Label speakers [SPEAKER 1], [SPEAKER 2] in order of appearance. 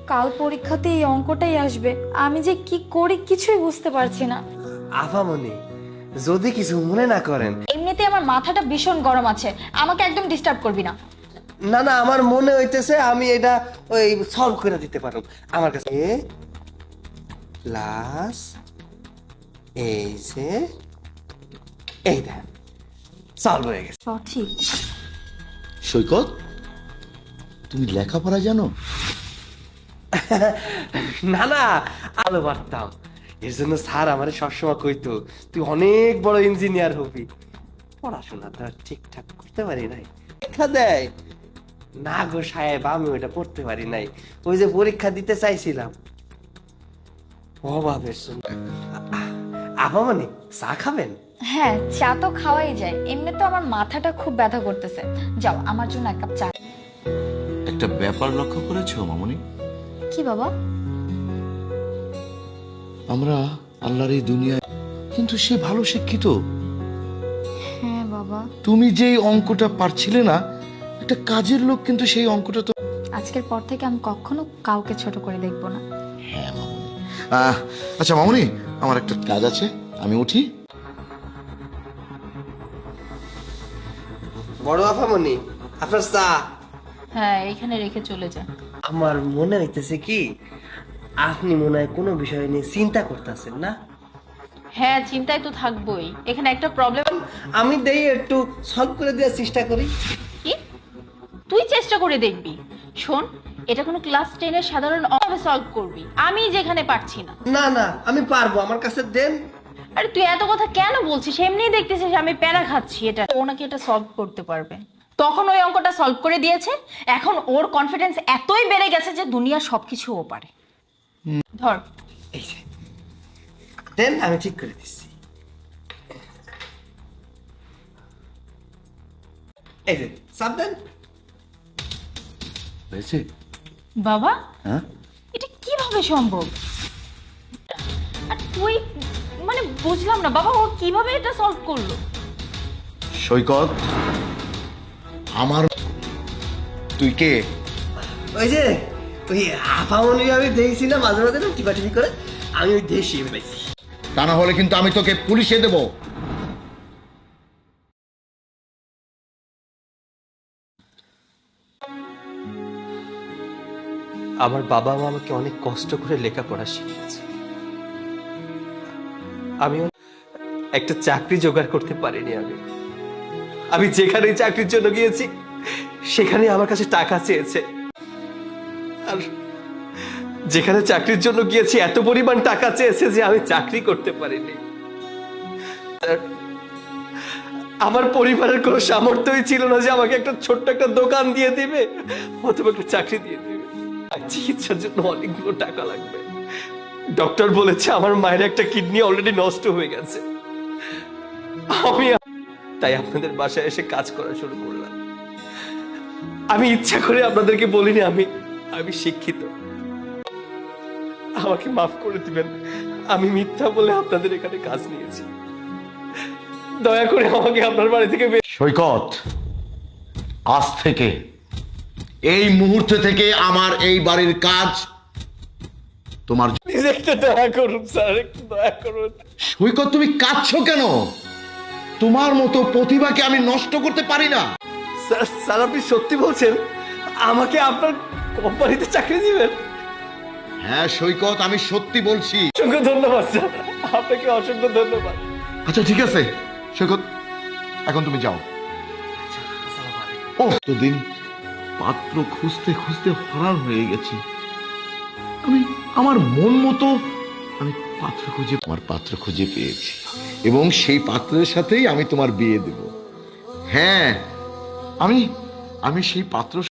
[SPEAKER 1] কাল পরীক্ষাতে এই অঙ্কটাই আসবে, আমি যে কি করি কিছুই বুঝতে পারছি না।
[SPEAKER 2] আফামনি, যদি কিছু মনে না করেন।
[SPEAKER 1] এমনিতে আমার মাথাটা ভীষণ গরম আছে, আমাকে একদম ডিস্টার্ব করবি না।
[SPEAKER 2] না না, আমার মনে হইতেছে আমি এটা ওই সলভ করে দিতে পারব। আমার কাছে প্লাস এই যে এই দেখ সলভ হয়ে গেছে।
[SPEAKER 1] সঠিক?
[SPEAKER 3] সৈকত, তুমি লেখাপড়া জানো?
[SPEAKER 2] না না, আলো পারতাম। এর জন্য স্যার আমারে সবসময় কইতো তুই অনেক বড় ইঞ্জিনিয়ার হবি। পড়াশোনা তো আর ঠিকঠাক করতে পারি নাই। পরীক্ষা দেয় না গো সাহেব, আমি ওইটা পড়তে পারি নাই। ওই যে পরীক্ষা দিতে চাইছিলাম অভাবের জন্য। আপামনি, চা খাবেন?
[SPEAKER 1] হ্যাঁ, চা তো খাওয়াই যায়, এমনি তো আমার মাথাটা খুব ব্যথা করতেছে। যাও আমার জন্য এক কাপ চা।
[SPEAKER 3] একটা ব্যাপার লক্ষ্য করেছো মামনি?
[SPEAKER 1] কি বাবা?
[SPEAKER 3] আমরা আল্লাহর এই দুনিয়ায়, কিন্তু সে ভালো শিক্ষিত।
[SPEAKER 1] হ্যাঁ বাবা।
[SPEAKER 3] তুমি যেই অঙ্কটা পারছিলে না, একটা কাজের লোক কিন্তু সেই অঙ্কটা তো।
[SPEAKER 1] আজকের পর থেকে আমি কখনো কাউকে ছোট করে দেখবো না।
[SPEAKER 3] হ্যাঁ মামনি। আচ্ছা মামনি, আমার একটা কাজ আছে, আমি উঠি।
[SPEAKER 2] বড় আপামনি, আপনার চা।
[SPEAKER 4] হ্যাঁ, এখানে রেখে চলে যা।
[SPEAKER 2] আমার মনে হইতেছে কি আপনি মনে হয় কোনো বিষয় নিয়ে চিন্তা করতেছেন না?
[SPEAKER 4] হ্যাঁ, চিন্তায় তো থাকবোই। এখানে একটা প্রবলেম।
[SPEAKER 2] আমি দেই একটু সলভ করে দেওয়ার চেষ্টা করি।
[SPEAKER 4] কি? তুই চেষ্টা করে দেখবি? শোন, এটা কোনো ক্লাস 10 সাধারণ অঙ্কে সলভ করবি, আমি যেখানে পারছি না।
[SPEAKER 2] না না, আমি পারবো, আমার কাছে দেন।
[SPEAKER 4] আরে তুই এত কথা কেন বলছিস? এমনিই দেখতেছিস আমি প্যারা খাচ্ছি। এটা ও নাকি এটা সলভ করতে পারবে। তখন ওই অঙ্কটা সলভ করে দিয়েছে, এখন ওর কনফিডেন্স এতই বেড়ে গেছে যে দুনিয়ার সবকিছু ও পারে। ধর।
[SPEAKER 2] এই যে দেন, আমি ঠিক করে দিচ্ছি। এই যে চাপ দেন।
[SPEAKER 3] হয়েছে?
[SPEAKER 4] বাবা,
[SPEAKER 3] হ্যাঁ,
[SPEAKER 4] এটা কিভাবে সম্ভব? আর তুই, মানে বুঝলাম না বাবা, ও কিভাবে এটা সলভ করলো?
[SPEAKER 3] সৈকত, আমার তুই কে?
[SPEAKER 2] ওই যে ওই আপামনি আমি দেখছি না মাঝে মাঝে টিপাটিপি করে, আমি ওই দেশি পাইছি।
[SPEAKER 3] তা না হলে কিন্তু আমি তোকে পুলিশে দেব।
[SPEAKER 2] আমার বাবা মা আমাকে অনেক কষ্ট করে লেখাপড়া শিখিয়েছে। আমিও একটা চাকরি জোগাড় করতে পারিনি। আমি যেখানে চাকরির জন্য গিয়েছি সেখানে আমার কাছে টাকা চেয়েছে, আর যেখানে চাকরির জন্য গিয়েছি এত পরিমাণ টাকা চেয়েছে যে আমি চাকরি করতে পারিনি। আর আমার পরিবারের কোনো সামর্থ্যই ছিল না যে আমাকে একটা ছোট্ট একটা দোকান দিয়ে দিবে অথবা একটা চাকরি দিয়ে দিবে। আর চিকিৎসার জন্য অনেকগুলো টাকা লাগবে। ডক্টর বলেছে আমার মায়ের একটা কিডনি অলরেডি নষ্ট হয়ে গেছে। আমি তাই আপনাদের বাসায় এসে কাজ করা শুরু করলাম। আমি ইচ্ছা করে আপনাদেরকে বলিনি আমি শিক্ষিত। আমাকে মাফ করে দিবেন, আমি মিথ্যা বলে আপনাদের এখানে কাজ নিয়েছি। দয়া করে আমাকে আপনার বাড়ি থেকে
[SPEAKER 3] সৈকত, আজ থেকে, এই মুহূর্তে থেকে আমার এই বাড়ির কাজ তোমার।
[SPEAKER 2] প্লিজ একটু দয়া করুন স্যার, একটু দয়া করুন।
[SPEAKER 3] সৈকত, তুমি কাঁদছো কেন? তোমার মতো প্রতিভাকে আমি নষ্ট করতে পারি না।
[SPEAKER 2] স্যার স্যার, আপনি সত্যি বলছেন? আমাকে আপনার কোম্পানিতে চাকরি দিবেন?
[SPEAKER 3] হ্যাঁ সৈকত, আমি সত্যি বলছি।
[SPEAKER 2] অসংখ্য ধন্যবাদ স্যার, আপনাকে অসংখ্য ধন্যবাদ।
[SPEAKER 3] আচ্ছা ঠিক আছে সৈকত, এখন তুমি যাও। ও দিন পাত্র খুঁজতে খুঁজতে হরান হয়ে গেছি। আমি আমার মন মতো আমি আমার পাত্র খুঁজে পেয়েছি, এবং সেই পাত্রের সাথেই আমি তোমার বিয়ে দেব। হ্যাঁ, আমি সেই পাত্র